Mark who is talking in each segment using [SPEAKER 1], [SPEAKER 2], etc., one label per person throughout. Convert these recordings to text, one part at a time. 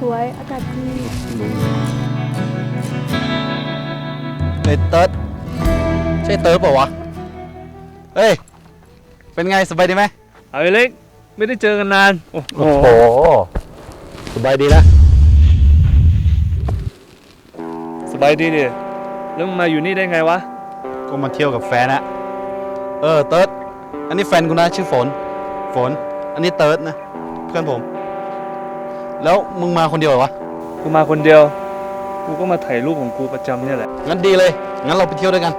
[SPEAKER 1] วยๆอากาศดี
[SPEAKER 2] เฮ้ยเติร์ดใช่เติร์ดเปล่าวะเฮ้ยเป็นไงสบายดีไหม
[SPEAKER 3] เอาไอ้เล็กไม่ได้เจอกันนานโอ้โห
[SPEAKER 2] สบายดีนะ
[SPEAKER 3] สบายดีดิแล้วมึงมาอยู่นี่ได้ไงวะ
[SPEAKER 2] ก็มาเที่ยวกับแฟนอะเติร์ดอันนี้แฟนกูนะชื่อฝนอันนี้เติร์ดนะเพื่อนผมแล้วมึงมาคนเดียวเหรอวะ
[SPEAKER 3] กูมาคนเดียวกูก็มาถ่ายรูปของกูประจำเนี่ยแหละ
[SPEAKER 2] งั้นดีเลยงั้นเราไปเที่ยวด้วยกัน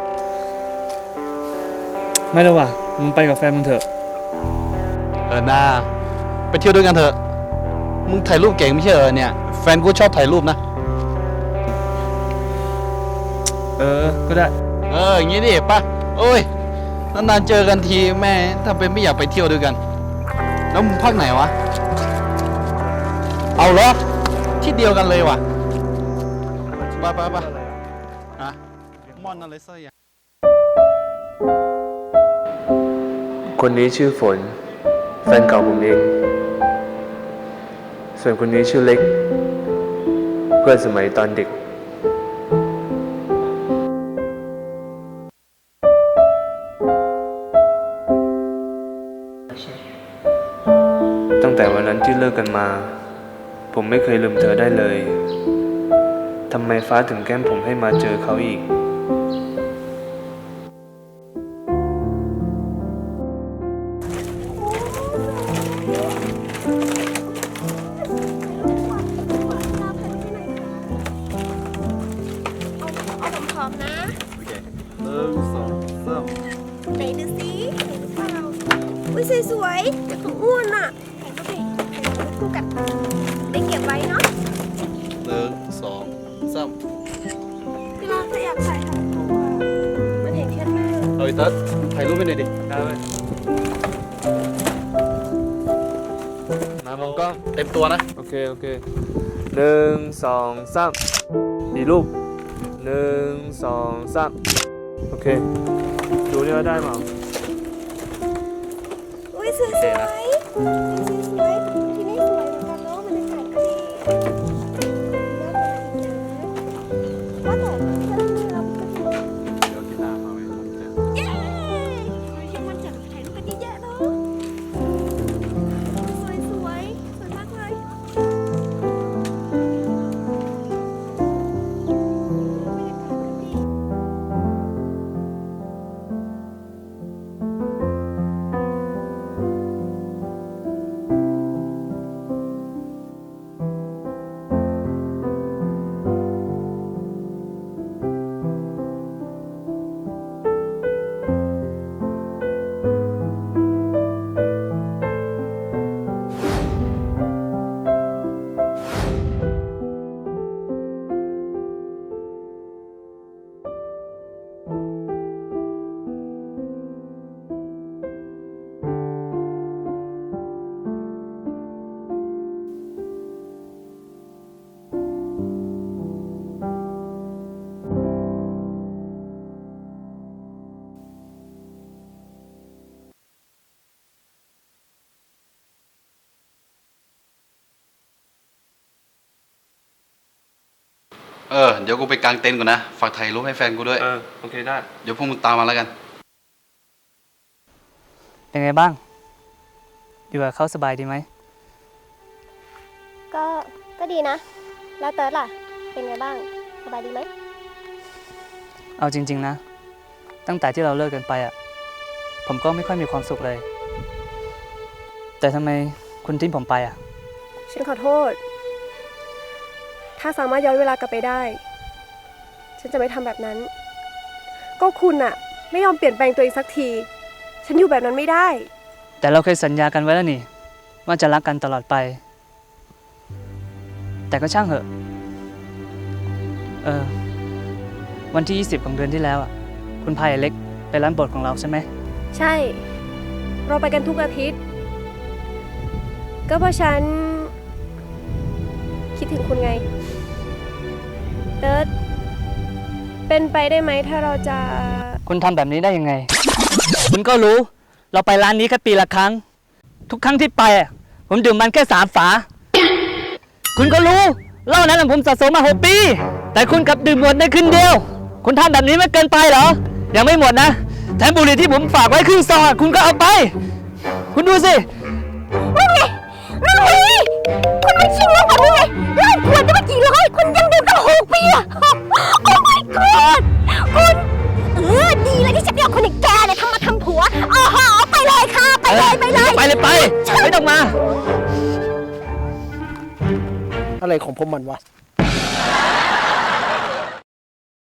[SPEAKER 3] ไม่แล้วว่ะมึงไปกับแฟนมึงเถอะ
[SPEAKER 2] น่าไปเที่ยวด้วยกันเถอะมึงถ่ายรูปเก่งไม่ใช่เหรอเนี่ยแฟนกูชอบถ่ายรูปนะ
[SPEAKER 3] ก็ได้
[SPEAKER 2] อย่างงี้ดิป่ะโอ้ยนานๆเจอกันทีแม่ถ้าเป็นไม่อยากไปเที่ยวด้วยกันแล้วมึงพักไหนวะเอาเหรอที่เดียวกันเลยว่ะไปฮะมอนอะไรสักอย่าง
[SPEAKER 3] คนนี้ชื่อฝนแฟนเก่าผมเองส่วนคนนี้ชื่อเล็กเพื่อนสมัยตอนเด็กตั้งแต่วันนั้นที่เลิกกันมาผมไม่เคยลืมเธอได้เลยทำไมฟ้าถึงแกล้งผมให้มาเจอเขาอีก
[SPEAKER 1] พร้อมนะ
[SPEAKER 2] โอเค1 2 3
[SPEAKER 1] ไหนดูสิเห็นหรือเปล่าอุ้ยสวยๆแต่ของอ้วนอ่ะถ่ายรูปดิคู่กันได้เก็บไว้เนาะ
[SPEAKER 2] 1 2 3
[SPEAKER 1] เวลาเธออยากถ่ายรูปมันเห็นแค่หน้า
[SPEAKER 2] เฮ้ยเติร์ดถ่ายรูปไปหน่อยดิ
[SPEAKER 3] ได้ไหมมามองกล้อง
[SPEAKER 2] เต็มตัวนะ
[SPEAKER 3] โอเค1 2 3อีรูป1 2 3โอเคดูนี่ว่าได้มั้ง
[SPEAKER 1] อุ้ยสวยๆที่นี่สวยเหมือนกันเนาะบรรยากาศก็ดีว่าแต่ถ้าที่นี่เราก็จะ
[SPEAKER 2] เดี๋ยวกีตาร์มาไว้ครับเจ๊
[SPEAKER 1] เย้ช่างมันจัดถ่ายรูปกันเยอะๆเนาะสวยมากเลย
[SPEAKER 2] เดี๋ยวกูไปกางเต็นท์ก่อนนะฝากถ่ายรูปให้แฟนกูด้วย
[SPEAKER 3] โอเคได้
[SPEAKER 2] เดี๋ยวพวกมึงตามมาแล้วกัน
[SPEAKER 4] เป็นไงบ้างอยู่กับเขาสบายดีไหม
[SPEAKER 1] ก็ดีนะ แล้วเติร์ดล่ะ เป็นไงบ้าง สบายดีไหม
[SPEAKER 4] เอาจริงๆนะตั้งแต่ที่เราเลิกกันไปผมก็ไม่ค่อยมีความสุขเลยแต่ทำไมคุณทิ้งผมไป
[SPEAKER 1] ฉันขอโทษ ถ้าสามารถย้อนเวลากลับไปได้ ฉันจะไม่ทำแบบนั้น ก็คุณไม่ยอมเปลี่ยนแปลงตัวเองสักที ฉันอยู่แบบนั้นไม่ได้
[SPEAKER 4] แต่เราเคยสัญญากันไว้แล้วนี่ว่าจะรักกันตลอดไปแต่ก็ช่างเหอะวันที่20ของเดือนที่แล้วคุณพายเล็กไปร้านโปรดของเราใช่ไหม
[SPEAKER 1] ใช่เราไปกันทุกอาทิตย์ก็เพราะฉันคิดถึงคุณไงเติร์ดเป็นไปได้ไหมถ้าเราจะ
[SPEAKER 4] คุณทำแบบนี้ได้ยังไงคุณก็รู้เราไปร้านนี้แค่ปีละครั้งทุกครั้งที่ไปผมดื่มมันแค่3 ฝาคุณก็รู้เหล้านั้นผมสะสมมา6 ปี แต่คุณกลับดื่มหมดในคืนเดียว คุณทำแบบนี้ไม่เกินไปเหรอ ยังไม่หมดนะ แถมบุหรี่ที่ผมฝากไว้ครึ่งซองคุณก็เอาไป คุณดูสิ
[SPEAKER 5] นั่นไงคุณมันชิงแล้วแบบนี้ไงเหล้าขวดจะมากี่ร้อยคุณยังดื่มตั้ง6 ปีอะโอ้ my god คุณดีเลยที่ฉันไม่เอาคนอย่างแกเนี่ยทำมาทำผัวอ๋อไปเลยค่ะ ไปเลย
[SPEAKER 4] ไปเลยไป ไม่ต้องมา
[SPEAKER 6] อะไรของผมมันวะ